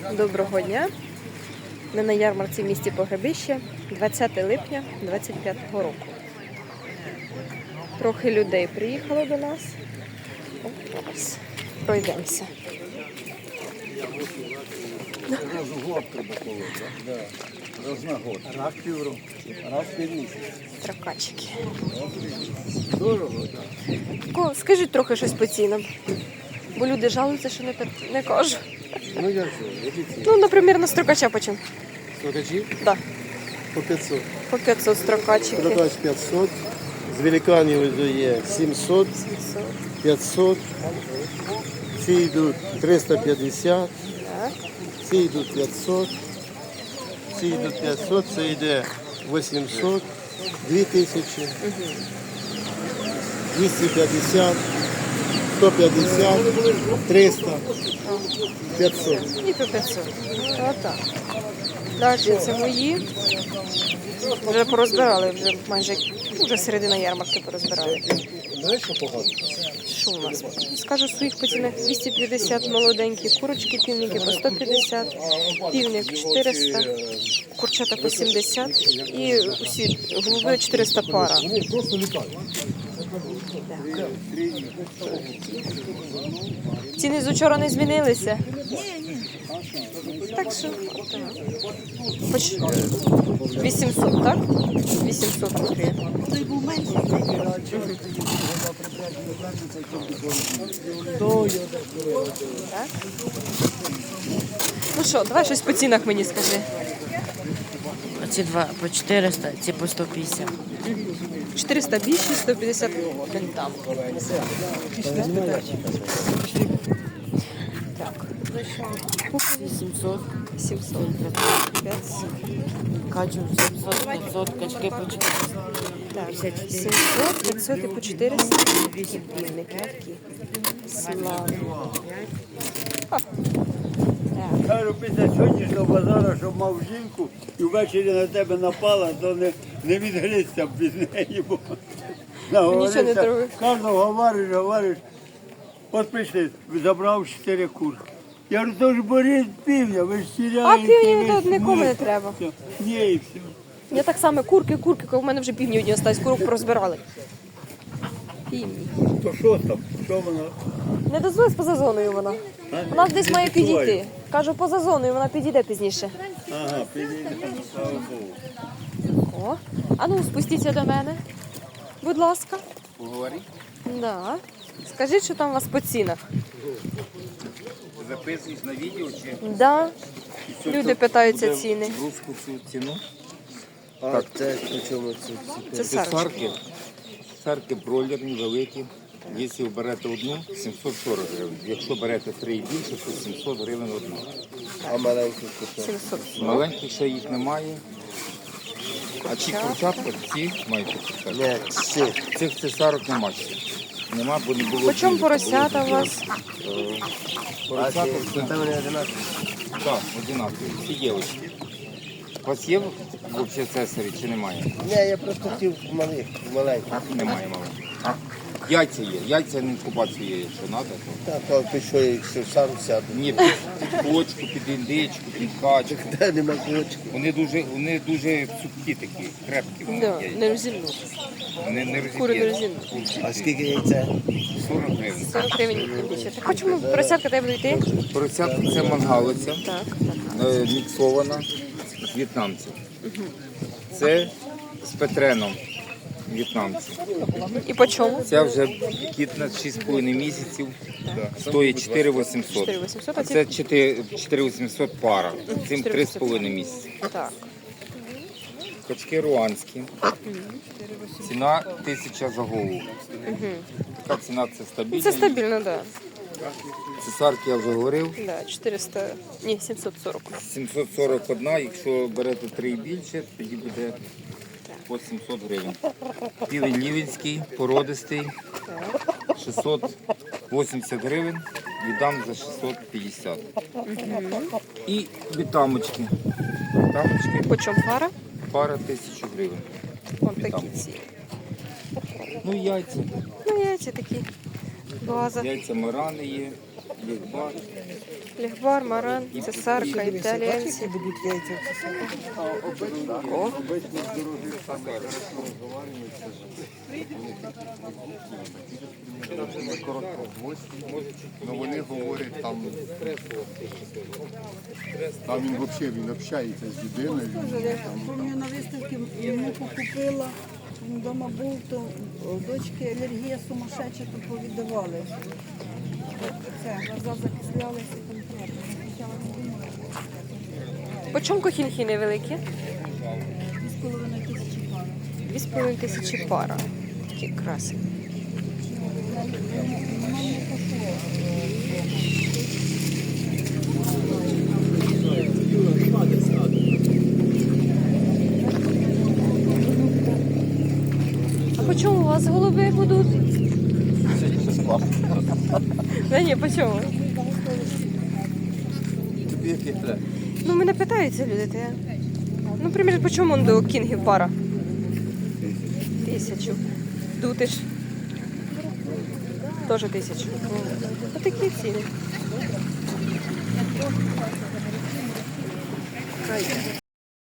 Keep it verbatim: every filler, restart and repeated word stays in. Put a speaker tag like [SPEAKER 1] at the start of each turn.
[SPEAKER 1] Доброго дня! Ми на ярмарці в місті Погребище двадцяте липня двадцять п'ятого року. Трохи людей приїхало до нас. Зараз пройдемося.
[SPEAKER 2] Раз в год треба колоти, так? Раз на год. Раз півроку. Раз в місяць.
[SPEAKER 1] Тракачики.
[SPEAKER 2] Дорого, так.
[SPEAKER 1] Скажіть трохи щось по цінам. Бо люди жалуються, що не, не кажу.
[SPEAKER 2] Ну як же, які ціни?
[SPEAKER 1] Ну, наприклад, на строкача почем?
[SPEAKER 2] Сорокачі?
[SPEAKER 1] Так,
[SPEAKER 2] По п'ятсот.
[SPEAKER 1] по п'ятсот строкачики.
[SPEAKER 2] Продач п'ятсот. З великанів є сімсот,
[SPEAKER 1] сімсот.
[SPEAKER 2] п'ятсот. Ці йдуть триста п'ятдесят.
[SPEAKER 1] Так.
[SPEAKER 2] Ці йдуть п'ятсот. Ці йдуть п'ятсот. Це йде вісімсот. дві тисячі. двісті п'ятдесят. сто п'ятдесят. триста. п'ятсот.
[SPEAKER 1] І по п'ятсот. Отак. Далі це мої. Вже порозбирали, вже майже, вже середина ярмарки порозбирали.
[SPEAKER 2] Знаєш, що погано?
[SPEAKER 1] Що у нас? Скажу своїх по цінах двісті п'ятдесят молоденькі, курочки, півники по сто п'ятдесят, півник чотириста, курчата по сімдесят і усі голуби чотириста пара.
[SPEAKER 2] Вони просто літають.
[SPEAKER 1] Ціни з учора не змінилися? Так що, отак. Хоч вісімсот, так? вісімсот гривень.
[SPEAKER 3] Той був менший.
[SPEAKER 1] Так. Ну що, давай щось по цінах мені скажи.
[SPEAKER 3] Оці два по чотириста, ці по сто п'ятдесят.
[SPEAKER 1] чотириста більше, сто п'ятдесят там. Так.
[SPEAKER 3] сімсот,
[SPEAKER 1] сімсот. п'ятсот.
[SPEAKER 3] качу сімсот, п'ятсот, качки по чотириста.
[SPEAKER 1] Так, сімсот, п'ятсот і по чотириста. Такі півники такі. Славні. О. Так.
[SPEAKER 4] Кажу, після сьогоднішнього базару, щоб мав жінку і ввечері на тебе напала, то не, не відгрізся б від неї, бо
[SPEAKER 1] Нічого не трогай.
[SPEAKER 4] Кожного говориш, говориш. От прийшли, забрав чотири курки. Я говорю, то ж боріть півня, ви ж
[SPEAKER 1] А
[SPEAKER 4] сіряєте.
[SPEAKER 1] півні
[SPEAKER 4] ви
[SPEAKER 1] тут
[SPEAKER 4] ж
[SPEAKER 1] нікому не
[SPEAKER 4] ні.
[SPEAKER 1] треба.
[SPEAKER 4] Все. Ні, і все.
[SPEAKER 1] Я так само курки, курки, коли в мене вже півні одні остались, курок порозбирали. Півні.
[SPEAKER 4] То що там? Що вона?
[SPEAKER 1] Не дозволись поза зоною вона.
[SPEAKER 4] А?
[SPEAKER 1] Вона десь
[SPEAKER 4] Не
[SPEAKER 1] має
[SPEAKER 4] відчуваю.
[SPEAKER 1] підійти. Кажу, поза зоною, вона підійде пізніше.
[SPEAKER 4] Ага, підійде, слава Богу.
[SPEAKER 1] О, а ну спустіться до мене, будь ласка.
[SPEAKER 5] Поговори.
[SPEAKER 1] Да. Скажіть, що там у вас по цінах.
[SPEAKER 5] Записуєш на відео чи
[SPEAKER 1] Да. Люди питаються ціни.
[SPEAKER 5] русську цю ціну?
[SPEAKER 2] А це по чому це?
[SPEAKER 1] Це
[SPEAKER 5] Це
[SPEAKER 1] сарочки.
[SPEAKER 5] сарки. Сарки бройлерні, великі. Якщо ви берете одну, сімсот сорок гривень. Якщо берете три і більше, то сімсот гривень одна.
[SPEAKER 2] А маленький кусок?
[SPEAKER 1] сімсот.
[SPEAKER 5] Маленьких ще їх немає. А ці курчатка, ці мають курчатка.
[SPEAKER 2] Ні, ці.
[SPEAKER 5] Цих цесарок нема ще. Нема, бо не було.
[SPEAKER 1] По чому
[SPEAKER 5] білих,
[SPEAKER 1] поросята
[SPEAKER 5] було
[SPEAKER 1] у вас?
[SPEAKER 5] білих. Е,
[SPEAKER 2] А
[SPEAKER 5] Поросята
[SPEAKER 2] ці?
[SPEAKER 5] це...
[SPEAKER 2] Це вони одинакові?
[SPEAKER 5] Так, одинакові. Всі дівчатки. У вас є взагалі цесарі чи немає?
[SPEAKER 2] Ні, я просто хотів малих, маленьких.
[SPEAKER 5] Немає маленьких. Яйця є. Яйця на інкубацію є, якщо треба. То...
[SPEAKER 2] Так, а ти що, якщо сам сяду?
[SPEAKER 5] Ні, під, під кочку, під індичку, під качку.
[SPEAKER 2] Де нема кулочки?
[SPEAKER 5] Вони дуже, вони дуже цупкі такі, крепкі. Вони,
[SPEAKER 1] Да,
[SPEAKER 5] яйця.
[SPEAKER 1] не розімну.
[SPEAKER 5] Вони не
[SPEAKER 1] Кури не
[SPEAKER 5] розіб'ють.
[SPEAKER 1] розімну.
[SPEAKER 2] А скільки яйця?
[SPEAKER 5] сорок гривень.
[SPEAKER 1] сорок гривень більше. Хочемо поросятка тебе йти?
[SPEAKER 5] Поросятка це мангалиця,
[SPEAKER 1] Так.
[SPEAKER 5] е, міксована, в'єтнамців. Це з петреном в'єтнамці.
[SPEAKER 1] І по чому?
[SPEAKER 5] Ця вже кіт на шість з половиною місяців, стоїть чотири вісімсот.
[SPEAKER 1] чотири вісімсот, а
[SPEAKER 5] А
[SPEAKER 1] ці-
[SPEAKER 5] це чотири вісімсот пара, цим три з половиною місяці.
[SPEAKER 1] Так.
[SPEAKER 5] Качки руанські. Ціна тисяча за голову. Така ціна це
[SPEAKER 1] Ну,
[SPEAKER 5] стабільна.
[SPEAKER 1] це стабільно, так.
[SPEAKER 5] Цесарки я вже говорив.
[SPEAKER 1] Да. Да, чотириста, ні, сімсот сорок.
[SPEAKER 5] сімсот сорок один, якщо берете три і більше, тоді буде по сімсот гривень. Півень лівенський, породистий, шістсот вісімдесят гривень, віддам за шістсот п'ятдесят. І бітамочки. Бітамочки,
[SPEAKER 1] По чому пара?
[SPEAKER 5] пара тисячу гривень.
[SPEAKER 1] Вон такі ці.
[SPEAKER 5] Ну і яйця.
[SPEAKER 1] Ну, яйця такі. База.
[SPEAKER 5] Яйця Марани є, лігбар.
[SPEAKER 1] Лігвар, маран, цесарка, італіянці. О,
[SPEAKER 2] Ну вони говорять там. Там він взагалі він общається з людиною.
[SPEAKER 6] Я пам'ятаю, на виставці йому покупила, він вдома був, то у дочки алергія сумасшедша, то повіддавали. Це, глаза закислялися конкретно. Почала думати,
[SPEAKER 1] по чому кохінхи невеликі?
[SPEAKER 6] дві з половиною тисячі пара.
[SPEAKER 1] Дві з половиною тисячі пара. Такі красиві. А по чому у вас голуби будуть? Да ні, по чому?
[SPEAKER 2] Тобі який треба?
[SPEAKER 1] Ну, мене питаються люди, то я. Ну, наприклад, по чому он до кінгів пара? Тисячу. Дутиш? Теж тисячу. Ось такі ціни.